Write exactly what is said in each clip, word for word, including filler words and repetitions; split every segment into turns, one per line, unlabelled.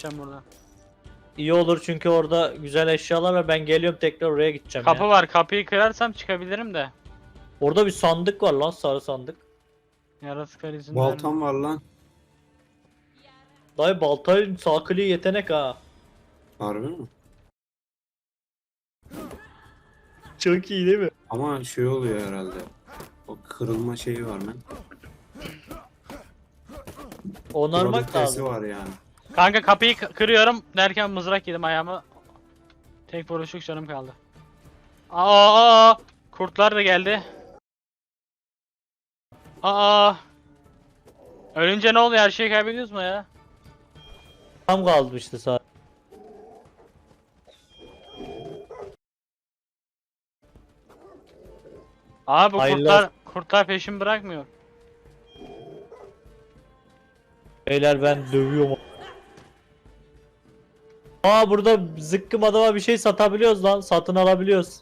geçeceğim buradan.
İyi olur çünkü orada güzel eşyalar var. Ben geliyorum tekrar oraya gideceğim
Kapı
ya.
var. Kapıyı kırarsam çıkabilirim de.
Orada bir sandık var lan, sarı sandık.
Yaratıklar izin
Baltam
vermiyor.
var lan.
Dayı baltayın sağ kliği yetenek ha.
Harbi mi?
Çok iyi değil mi?
Ama şey oluyor herhalde. O kırılma şeyi var lan.
Onarmak
Probabilitesi
lazım.
var yani.
Kanka kapıyı kı- kırıyorum derken mızrak yedim ayağıma. Tek vuruşluk canım kaldı. Aa, kurtlar da geldi. Aa. Ölünce ne oluyor? Her şeyi kaybediyoruz mu ya?
Tam kalmıştı sağ.
Abi bu
Hayırlı
kurtlar
olsun.
kurtlar peşimi bırakmıyor.
Beyler ben dövüyorum. Aa burada zıkkım adama bir şey satabiliyoruz lan. Satın alabiliyoruz.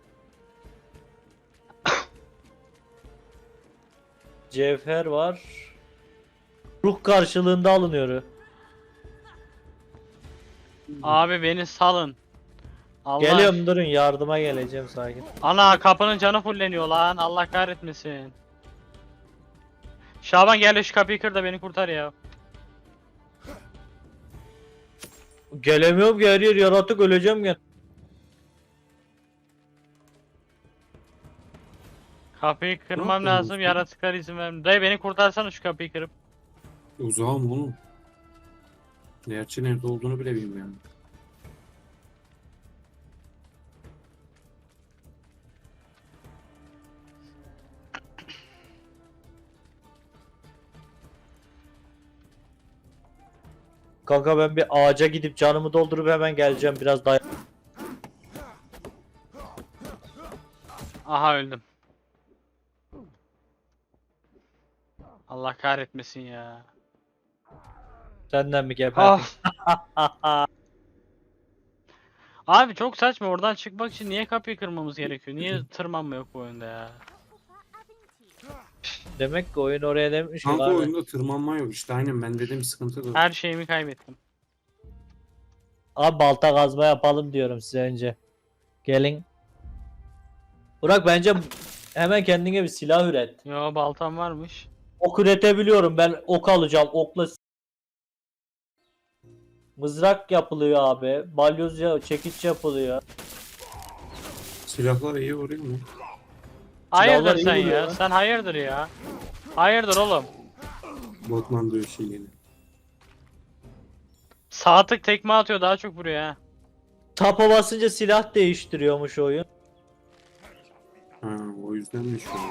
Cevher var. Ruh karşılığında alınıyor.
Abi beni salın. Allah.
Geliyorum, durun, yardıma geleceğim, sakin.
Ana kapının canı fulleniyor lan. Allah kahretmesin. Şaban gel şu kapıyı kır da beni kurtar ya.
Gelemiyorum ki, her yer yaratık, öleceğim gel.
Kapıyı kırmam
yapıyorsun
lazım.
dostum?
Yaratıklar izin vermiyor. Dayı beni kurtarsana şu kapıyı kırıp.
Uzağım oğlum. Gerçi nerede olduğunu bile bilmiyorum.
Kanka ben bir ağaca gidip canımı doldurup hemen geleceğim, biraz daha.
Aha öldüm. Allah kahretmesin ya.
Senden mi geberdin?
Ah. Abi çok saçma, oradan çıkmak için niye kapıyı kırmamız gerekiyor? Niye tırmanma yok bu oyunda ya?
Demek ki oyun oraya demiş ki
Kanka
abi.
oyunda tırmanma yok işte, aynen ben dediğim sıkıntı da.
Her şeyimi kaybettim.
Abi balta kazma yapalım diyorum size önce. Gelin. Burak bence hemen kendine bir silah üret.
Yo, baltam varmış.
Ok üretebiliyorum ben, ok alacağım okla. Mızrak yapılıyor abi. Balyoz ya, çekiç yapılıyor.
Silahlar iyi vuruyor mu?
Hayırdır
iyi
sen
vuruyor
ya?
lan.
Sen hayırdır ya? Hayırdır oğlum?
Batman diyor şey yeni.
Sağ tık tekme atıyor, daha çok vuruyor ha.
Tapa basınca silah değiştiriyormuş oyun.
Ha, o yüzdenmiş o.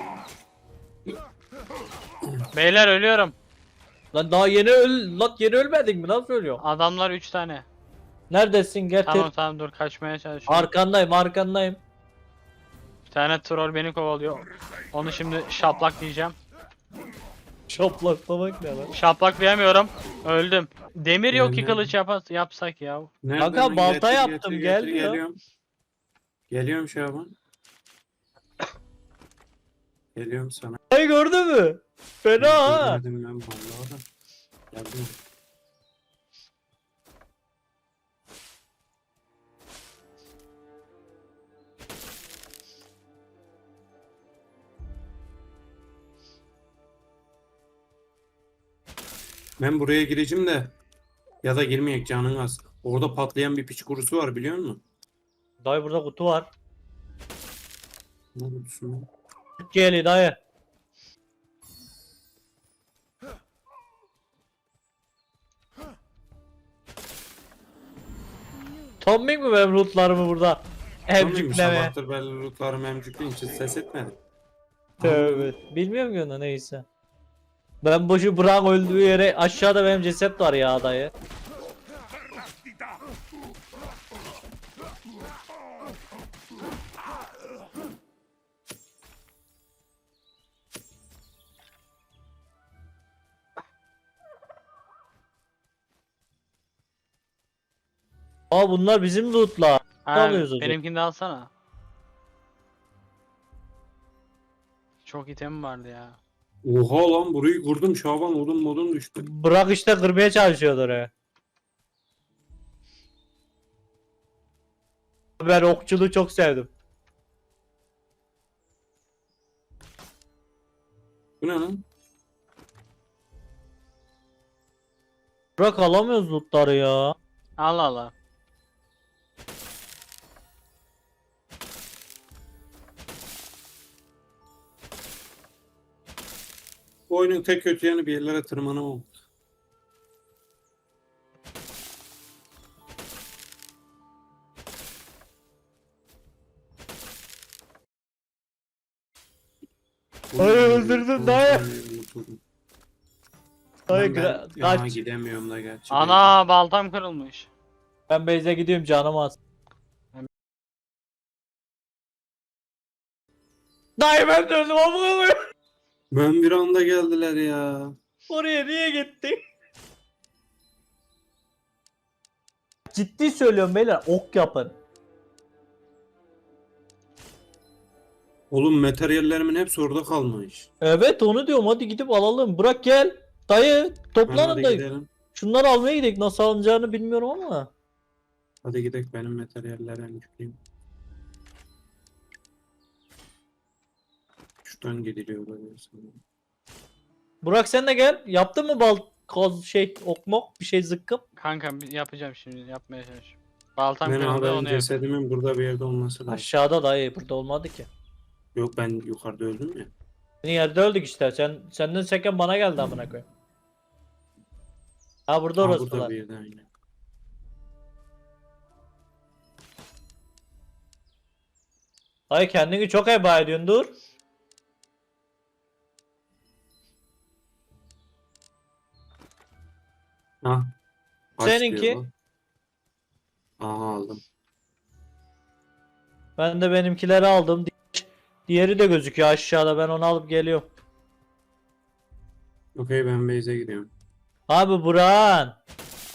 Beyler ölüyorum.
Lan daha yeni öl lan yeni ölmedin mi? Nasıl ölüyorsun?
Adamlar üç tane.
Neredesin? Getir.
Tamam tamam, dur kaçmaya çalışıyorum.
Arkandayım, arkandayım.
Bir tane troll beni kovalıyor. Onu şimdi şaplak diyeceğim.
Şaplaklamak ne lan?
Şaplaklayamıyorum. Öldüm. Demir yok ki
Nereden?
kılıç yap yapsak ya.
Nereden
Kanka
lan?
balta
Getir,
yaptım,
getir,
gel
getir,
diyor.
Geliyorum. Geliyorum Şaban. Geliyorum sana.
Ay gördün mü? Fena ha.
Görmedim ben vallahi da. Geldim. Ben buraya gireceğim de ya da girmeyek, canın az. Orada patlayan bir piç kurusu var biliyor musun?
Dayı burada kutu var.
Ne kutusu?
Geli dayı. Tombik mi benim lootlarımı burada?
Emcikleme.
Emcikleme.
Sabahtır belli lootlarım emcikleyin için ses etmedim.
Tövbe. Bilmiyorum ki onu, neyse. Ben boşu bırak öldüğü yere aşağıda benim ceset var ya dayı. Aa bunlar bizim lootlar.
Ha,
alıyoruz hocam?
benimkini de alsana. Çok item vardı ya.
Oha lan, burayı kurdum Şaban, odun modun düştü.
Bırak işte, kırmaya çalışıyordu oraya. Ben okçuluğu çok sevdim.
Bu ne lan?
Burak alamıyoruz lootları ya.
Allah Allah.
Bu oyunun tek kötü yanı bir yerlere tırmanamam.
Ay, öldürdün dayı. Dayı
Ben,
gra-
ya
kaç.
gidemiyorum da gerçi.
Ana baltam kırılmış.
Ben base'e gidiyorum canım az. Dayı ben de öldüm ama koyayım.
Ben bir anda geldiler ya.
Oraya niye gittin? Ciddi söylüyorum beyler, ok yapın.
Oğlum materyallerimin hepsi orada kalmış.
Evet onu diyorum, hadi gidip alalım. Bırak gel. Dayı
Ben
toplanın
hadi
dayı.
gidelim.
Şunları almaya gidelim. Nasıl alınacağını bilmiyorum ama.
Hadi gidelim benim materyallere yükleyeyim. Şuradan gidiliyor böyle sanırım.
Burak sen de gel. Yaptın mı bal koz şey ok mok bir şey zıkkım?
Kanka bir yapacağım şimdi yapmaya çalışıyorum. Baltam
Ben
kırıldı
abi
onu yapıyorum.
cesedimin burada bir yerde olması lazım.
Aşağıda dayı, burada olmadı ki.
Yok ben yukarıda öldüm ya.
Senin yerde öldük işte. Sen senden seken bana geldi amına koyayım. Ha burada
Ha,
orası
burada
var.
bir yerde aynen.
Dayı kendini çok heba ediyorsun, dur.
Ha. Kaç
Seninki?
diyor bu? Aha aldım.
Ben de benimkileri aldım. Di- Diğeri de gözüküyor aşağıda. Ben onu alıp geliyorum.
Okey ben base'e gidiyorum.
Abi Burak'ın.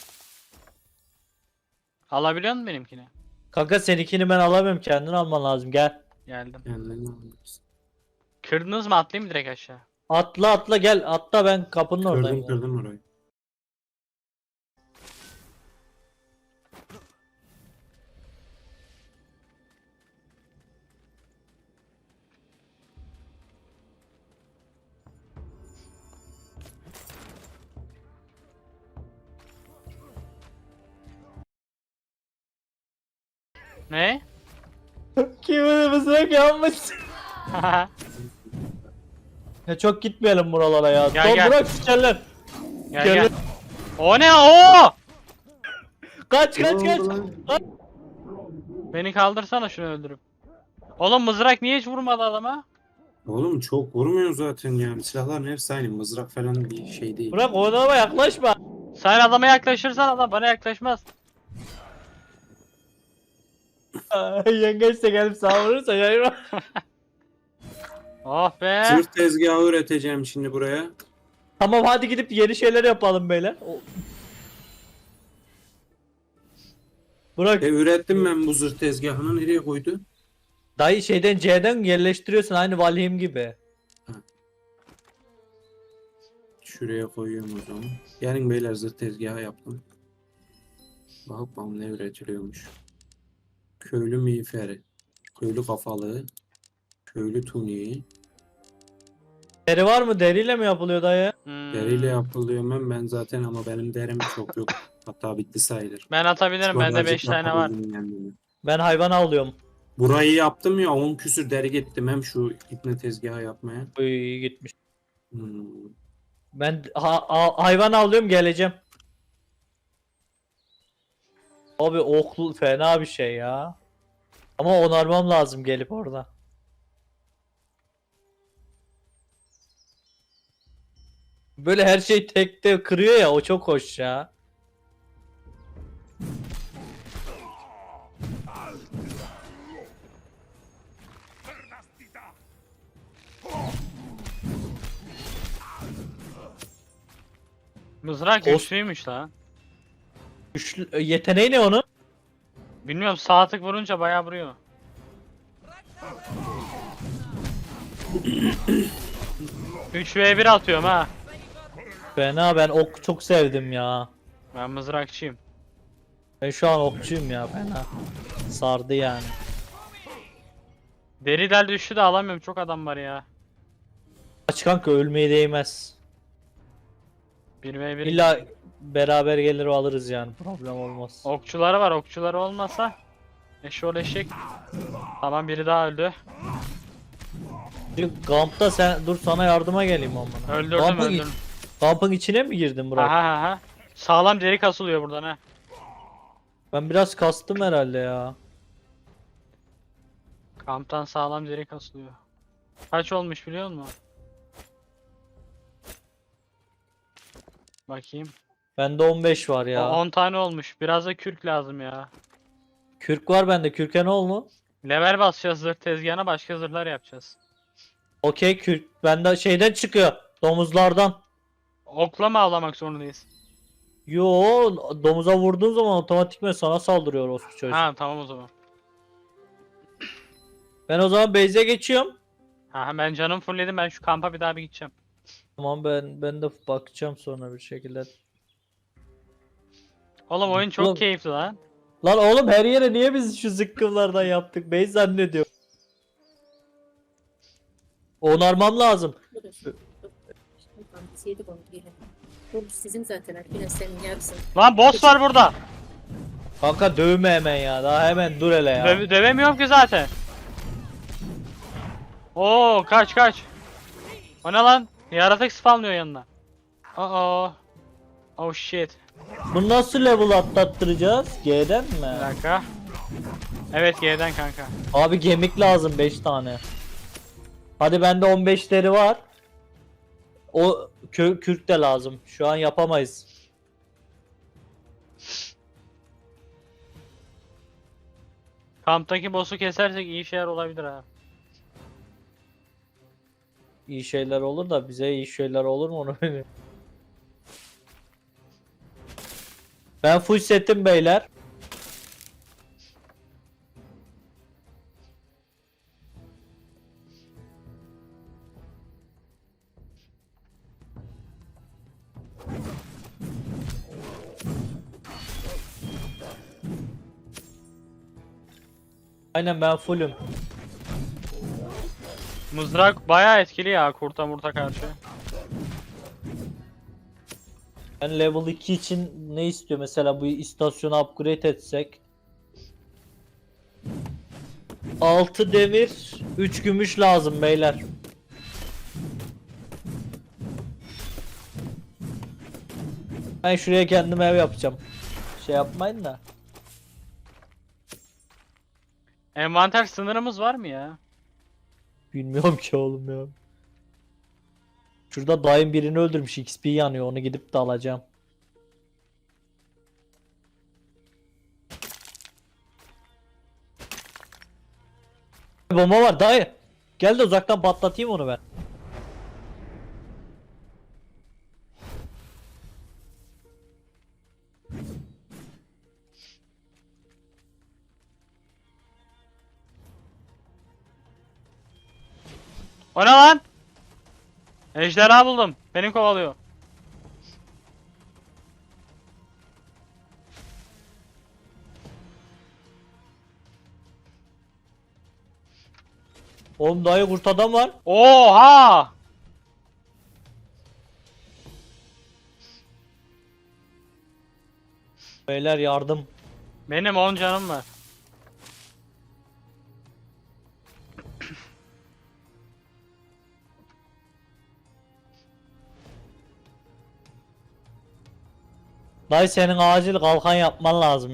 Alabiliyor musun benimkini?
Kanka seninkini ben alamıyorum. Kendin alman lazım. Gel.
Geldim.
Kendini almışsın.
Kırdınız mı atlayayım mı direkt aşağı?
Atla atla gel. Atla, ben kapının oradayım.
Kırdım kırdım orayı.
Ne?
Kimin mızrak yapmış? Ya çok gitmeyelim buralara ya.
Gel,
Son
gel.
Burak sikerler.
Gel
Gel.
gel. O ne o?
Kaç kaç
Ne
kaç.
oldu lan?
Kaç.
Beni kaldırsana şunu öldürüp. Oğlum mızrak niye hiç vurmadı adama?
Oğlum çok vurmuyor zaten ya. Silahların hepsi aynı. Mızrak falan bir şey değil.
Burak o adama yaklaşma.
Sen adama yaklaşırsan adam bana yaklaşmaz.
Yengeç de gelip savurursa yayma.
Oh be.
Zırh tezgahı üreteceğim şimdi buraya.
Tamam hadi gidip yeni şeyler yapalım beyler. O- Burak
E ürettim ben bu zırh tezgahını. Nereye koydu?
dayı şeyden C'den yerleştiriyorsun aynı Valheim gibi.
Şuraya koyuyorum o zaman. Gelin beyler zırh tezgahı yaptım. Bak bakalım ne üretiliyormuş. Köylü miğferi. Köylü kafalı. Köylü tuniği.
Deri var mı? Deriyle mi yapılıyor dayı?
Hmm.
Deriyle yapılıyor ben, ben zaten ama benim derim çok yok. Hatta bitti sayılır.
Ben atabilirim. Bende
Birazcık
beş tane var.
yapabildim kendimi.
Ben hayvan avlıyorum.
Burayı yaptım ya on küsür deri gittim hem şu ipne tezgahı yapmaya.
Uy iyi gitmiş.
Hmm.
Ben ha- ha- hayvan avlıyorum, geleceğim. Abi oklu fena bir şey ya. Ama onarmam lazım gelip orada. Böyle her şey tekte kırıyor ya, o çok hoş ya.
Mızrak
Os-
güçlüymüş lan.
Güçlü, e, yeteneği ne onun?
Bilmiyorum sağ tık vurunca bayağı vuruyor. üç ve bir atıyorum ha.
Fena, ben ok çok sevdim ya.
Ben mızrakçıyım.
Ben şu an okçuyum ya, fena. sardı yani.
Deri del düştü de alamıyorum. Çok adam var ya.
Aç kanka, ölmeye değmez.
bir ve bir.
İlla beraber gelir alırız yani, problem olmaz.
Okçuları var. Okçuları olmasa eşol eşek. Tamam, biri daha öldü.
Çünkü kampta sen dur, sana yardıma geleyim amına.
Öldürdüm
Kampın,
öldürdüm.
kampın içine mi girdin Burak?
Aha aha. Sağlam deri kasılıyor buradan ha.
Ben biraz kastım herhalde ya.
Kamptan sağlam deri kasılıyor. Kaç olmuş biliyor musun? Bakayım.
Bende on beş var
O
ya.
on tane olmuş. Biraz da kürk lazım ya.
Kürk var bende. Kürke ne oldu?
Level basacağız zırh tezgahına, başka zırhlar yapacağız.
Okey, kürk bende şeyden çıkıyor. Domuzlardan.
Okla mı avlamak zorundayız?
Yo, domuza vurduğun zaman otomatikman sana saldırıyor o çocuk.
Ha tamam o zaman.
Ben o zaman base'e geçiyorum.
Ha ben canım fullledim, ben şu kampa bir daha bir gideceğim.
Tamam, ben ben de bakacağım sonra bir şekilde.
Oğlum oyun çok
Oğlum-
keyifli lan.
Lan oğlum, her yere niye biz şu zıkkımlardan yaptık? Base zannediyor. Onarmam lazım.
Dur. Dur. Şimdi kampüsü yedik onu gelin. Bu sizin zaten Alpina, senin yarısın.
Lan boss var burada.
Kanka dövme hemen ya. Daha hemen dur hele ya.
Döv dövemiyorum ki zaten. Oo kaç kaç. O ne lan? Yaratık spawnlıyor yanına. Aa. Oh shit.
Bunu nasıl level atlattıracağız? G'den
Bir
mi?
dakika. Evet G'den kanka.
Abi gemik lazım beş tane. Hadi bende on beşleri var. O kö kürk de lazım. Şu an yapamayız.
Kamptaki boss'u kesersek iyi şeyler olabilir ha.
İyi şeyler olur da bize iyi şeyler olur mu onu bilmiyorum. Ben full setim beyler. Aynen, ben fullüm.
Mızrak bayağı etkili ya kurta murta karşı.
Ben level iki için ne istiyor mesela, bu istasyonu upgrade etsek? altı demir, üç gümüş lazım beyler. Ben şuraya kendime ev yapacağım. Şey yapmayın da.
Envanter sınırımız var mı ya?
Bilmiyorum ki oğlum ya. Şurada dayım birini öldürmüş, X P yanıyor, onu gidip de alacağım. Bomba var dayı. Gel de uzaktan patlatayım onu ben.
O ne lan? Ejderha buldum. Beni kovalıyor.
Oğlum dayı, kurt adam var.
Oha!
Beyler yardım.
Benim on canım var.
Dayı, senin acil kalkan yapman lazım.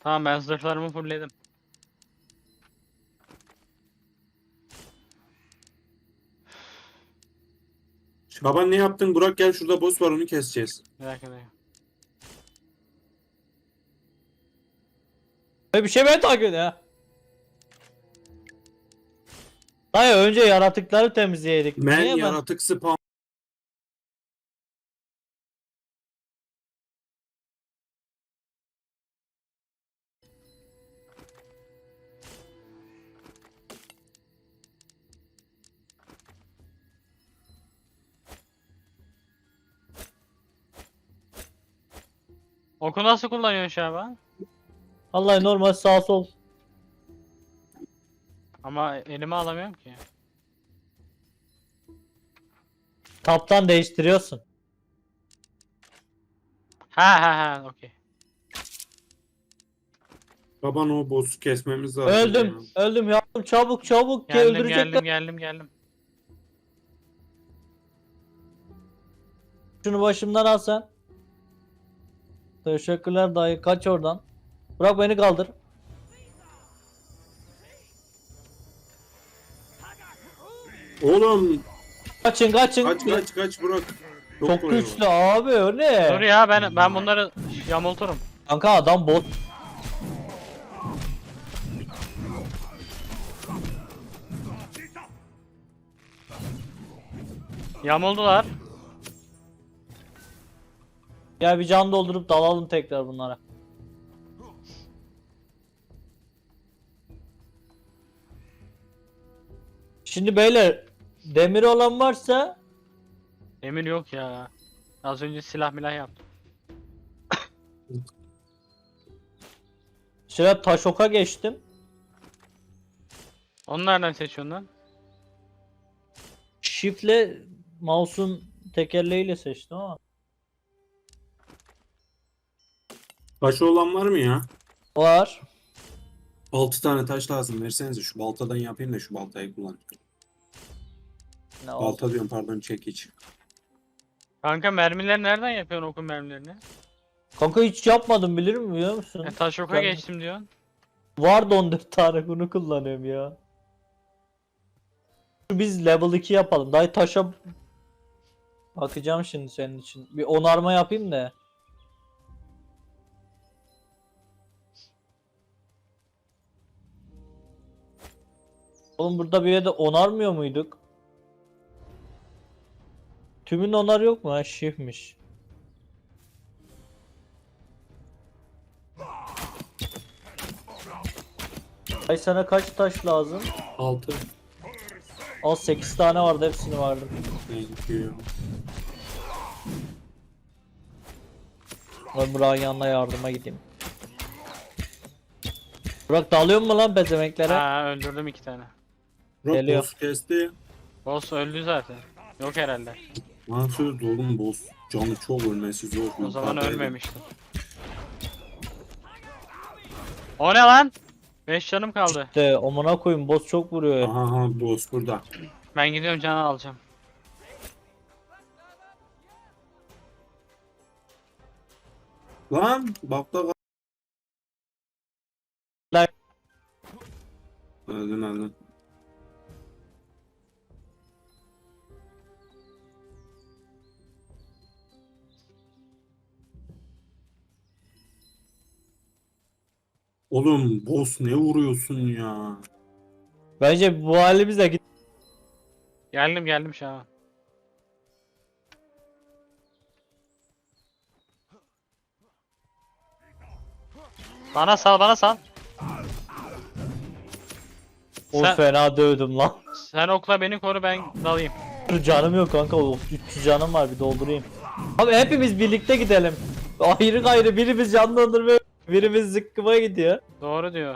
Tamam ben zırhlarımı fullledim.
Şaban ne yaptın? Burak gel, şurada boss var, onu keseceğiz.
Bir dakika bir dakika.
Böyle bir şey beni takip ediyor ha. Hayır, önce yaratıkları temizleyedik.
Men
Niye ben-
yaratık spam.
Oku nasıl kullanıyorsun Şaban?
Vallahi normal sağ sol.
Ama elime alamıyorum ki.
Taptan değiştiriyorsun.
Ha ha ha okey.
Şaban o boss'u kesmemiz lazım.
Öldüm.
ya.
Öldüm yavrum, çabuk çabuk ki
Geldim
öldürecekler.
geldim geldim geldim.
Şunu başımdan al sen. Teşekkürler dayı, kaç oradan. Bırak beni kaldır.
Oğlum
Kaçın kaçın.
kaç kaç kaç Burak.
Çok
kolay
güçlü abi, o ne?
Dur ya ben ben bunları yamulturum.
Kanka adam bot.
Yamuldular.
Ya bir can doldurup dalalım tekrar bunlara. Şimdi beyler, demir olan varsa
Emir yok ya. Az önce silah milah yaptım.
şöyle taş oka geçtim.
Onu nereden seçiyorsun lan?
Shift'le mouse'un tekerleğiyle seçtim ama.
Taşı olan var mı ya?
Var.
altı tane taş lazım, versenize, şu baltadan yapayım da şu baltayı kullan.
Ne oldu?
Balta diyorum, pardon, çekiç.
Kanka mermileri nereden yapıyorsun okun mermilerini?
Kanka hiç yapmadım, bilir mi, biliyor musun?
E taş oka
Ben-
geçtim diyorsun.
Vardı on dört tane, bunu kullanıyorum ya. Biz level iki yapalım. Dayı taşa bakacağım şimdi senin için. Bir onarma yapayım da. Oğlum burada bir yerde onarmıyor muyduk? Tümün onar yok mu? Ha, shift'miş. Ay sana kaç taş lazım?
altı.
Al, sekiz tane vardı, hepsini vardı.
Thank you.
Ben Burak'ın yanına yardıma gideyim. Burak dalıyor mu lan bezemeklere?
Ha öldürdüm iki tane.
Burak
Geliyor.
boss kesti.
Boss öldü zaten. Yok herhalde.
Nasıl oğlum, boss canı çok, ölmesi zor.
O zaman
Yukarıdaydı.
ölmemiştim. O ne lan? beş canım kaldı.
De amına koyayım, boss çok vuruyor.
Aha, aha boss burada.
Ben gidiyorum canı alacağım.
Lan bak da.
Lan.
Öldün öldün. Oğlum boss ne vuruyorsun ya?
Bence bu halimizle git.
Geldim geldim şu an. Bana sal bana sal.
O
Sen-
fena dövdüm lan.
Sen okla beni koru ben dalayım.
Canım yok kanka, o üç yüz canım var, bir doldurayım. Abi hepimiz birlikte gidelim. Ayrı gayrı birimiz can dondurmaya, birimiz zıkkıma gidiyor.
Doğru diyor.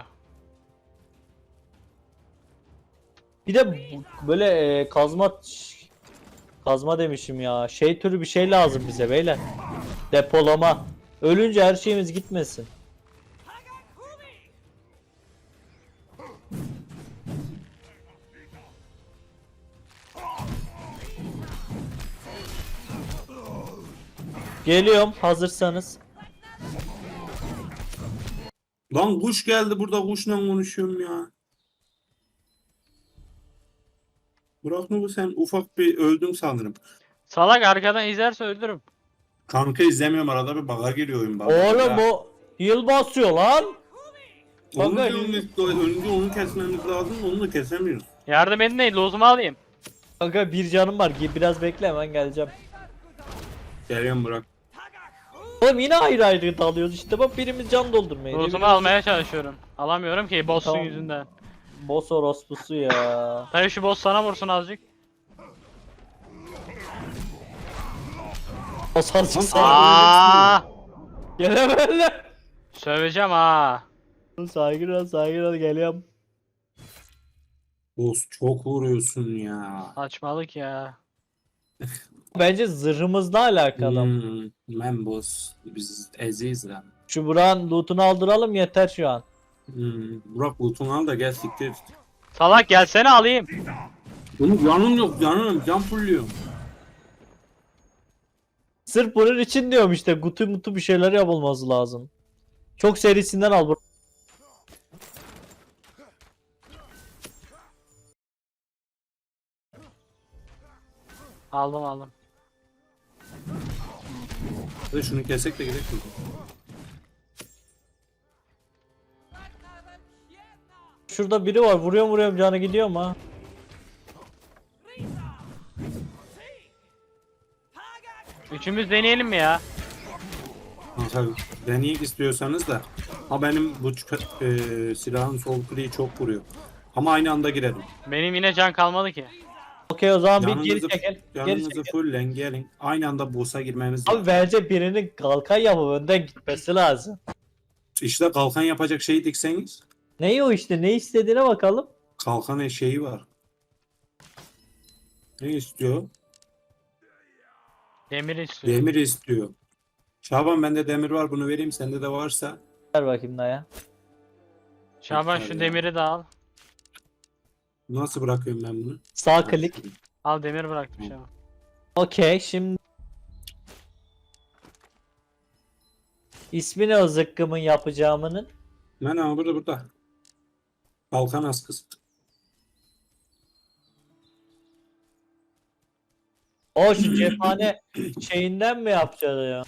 Bir de bu- böyle e, kazma kazma demişim ya. Şey türü bir şey lazım bize beyler. Depolama. Ölünce her şeyimiz gitmesin. Geliyorum hazırsanız.
Lan kuş geldi, burada kuşla konuşuyorum ya. Burak mı bu, sen ufak bir öldün sanırım.
Salak arkadan izlerse öldürürüm.
Kanka izlemiyorum, arada bir bug'a giriyor oyun bana.
Oğlum o heal basıyor lan.
Onu
Kanka,
diyorum işte, önce onu kesmemiz lazım, onu da kesemiyoruz.
Yardım edin değil, lozumu alayım.
Kanka bir canım var. Biraz bekle, hemen geleceğim.
Geliyorum Burak.
Oğlum yine ayrı ayrı dalıyoruz işte, bak birimiz can doldurmayı.
Lozumu almaya çalışıyorum. Alamıyorum ki boss'un
Tamam.
yüzünden.
Boss orospusu ya.
Tabii şu boss sana vursun azıcık.
Boss azıcık
Lan,
sağ.
Aa!
Gelemezler.
Söveceğim ha.
Sakin ol, sakin ol, geliyorum.
Boss çok vuruyorsun ya.
Saçmalık ya.
Bence zırhımızla alakalı.
Hmm, ben boss. Biz eziyiz lan.
Şu Burak'ın loot'unu aldıralım yeter şu an.
Hmm, Burak loot'unu al da gel siktir.
Salak gelsene alayım.
Oğlum canım yok, canım can fulluyorum.
Sırf bunun için diyorum işte, gutu mutu bir şeyler yapılması lazım. Çok serisinden al Burak.
Aldım aldım.
Hadi şunu kesek de gidelim.
Şurada biri var, vuruyorum vuruyorum canı gidiyor mu ha?
Üçümüz deneyelim mi ya?
Kanka deneyek istiyorsanız da. Ha benim bu çık- e, silahın sol kliği çok vuruyor. Ama aynı anda girelim.
Benim yine can kalmadı ki.
Okey, o zaman bir
Canınızı,
geri çekil. Geri
canınızı
çekil.
fullen gelin. Aynı anda boss'a girmemiz
Abi
lazım.
bence birinin kalkan yapıp önden gitmesi lazım.
İşte kalkan yapacak şeyi dikseniz.
Neyi o işte, ne istediğine bakalım.
Kalkan eşeği var. Ne istiyor?
Demir istiyor.
Demir istiyor. Şaban bende demir var, bunu vereyim, sende de varsa.
Ver bakayım daya.
Şaban
Yeter
şu
ya.
demiri de al.
Nasıl bırakıyorum ben bunu?
Sağ klik.
Al demir bıraktım Şaban.
Okey, şimdi ismi ne o zıkkımın yapacağımının?
Ben ama burada burada. Kalkan askısı.
O şu cephane şeyinden mi yapacağız ya?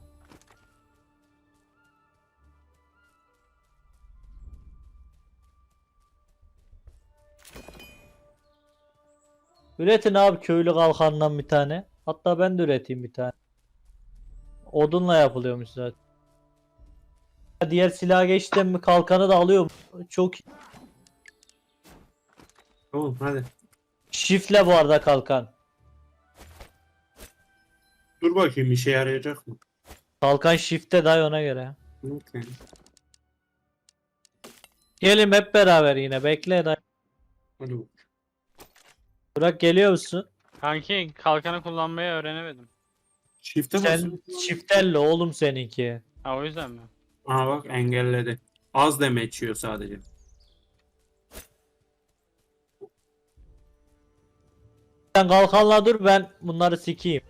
Üretin abi köylü kalkandan bir tane. Hatta ben de üreteyim bir tane. Odunla yapılıyormuş zaten. Diğer silaha geçtim mi kalkanı da alıyorum. Çok iyi.
Tamam hadi.
Şifle bu arada kalkan.
Dur bakayım işe yarayacak mı?
Kalkan shift'te day ona göre.
Okay.
Gelin hep beraber yine bekle day.
Hadi bak.
Burak geliyor musun?
Kanki kalkanı kullanmayı öğrenemedim.
Shift'e
Sen
basın.
shift'elle oğlum seninki.
Ha o yüzden mi?
Aa bak engelledi. Az damage yiyor sadece.
Sen kalkanla dur, ben bunları sikeyim.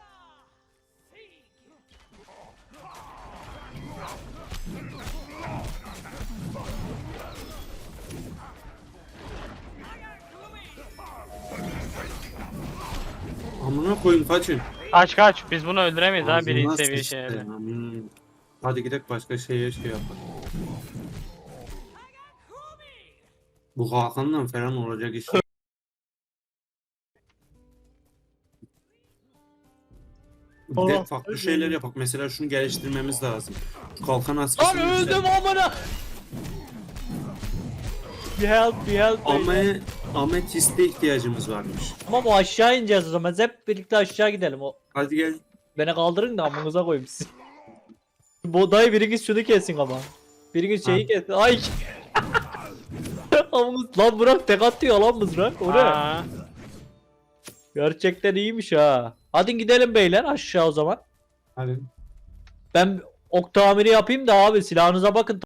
Amına koyun kaçın.
Kaç kaç biz bunu öldüremeyiz ha
Ağzına
birinci seviye
sıçtı.
şeyleri.
Hmm. Hadi gidelim başka şeye şey yapalım. Bu Hakan'la falan olacak iş. Bir de
Allah.
farklı şeyler yapak. Mesela şunu geliştirmemiz lazım. Şu kalkan
Lan
askısını
öldüm amına. Bir help, bir help.
Ama
beyler.
ametiste ihtiyacımız varmış.
Tamam, o aşağı ineceğiz o zaman. Biz hep birlikte aşağı gidelim. O
Hadi gel.
beni kaldırın da amınıza koyayım sizi. Bu dayı biriniz şunu kesin ama. Biriniz şeyi
Ha.
kesin. Ay. Amınız lan, bırak tek atıyor lan mızrak. O ne?
Aa,
Gerçekten iyiymiş ha. Hadi gidelim beyler aşağı o zaman.
Hadi.
Ben ok tamiri yapayım da abi silahınıza bakın.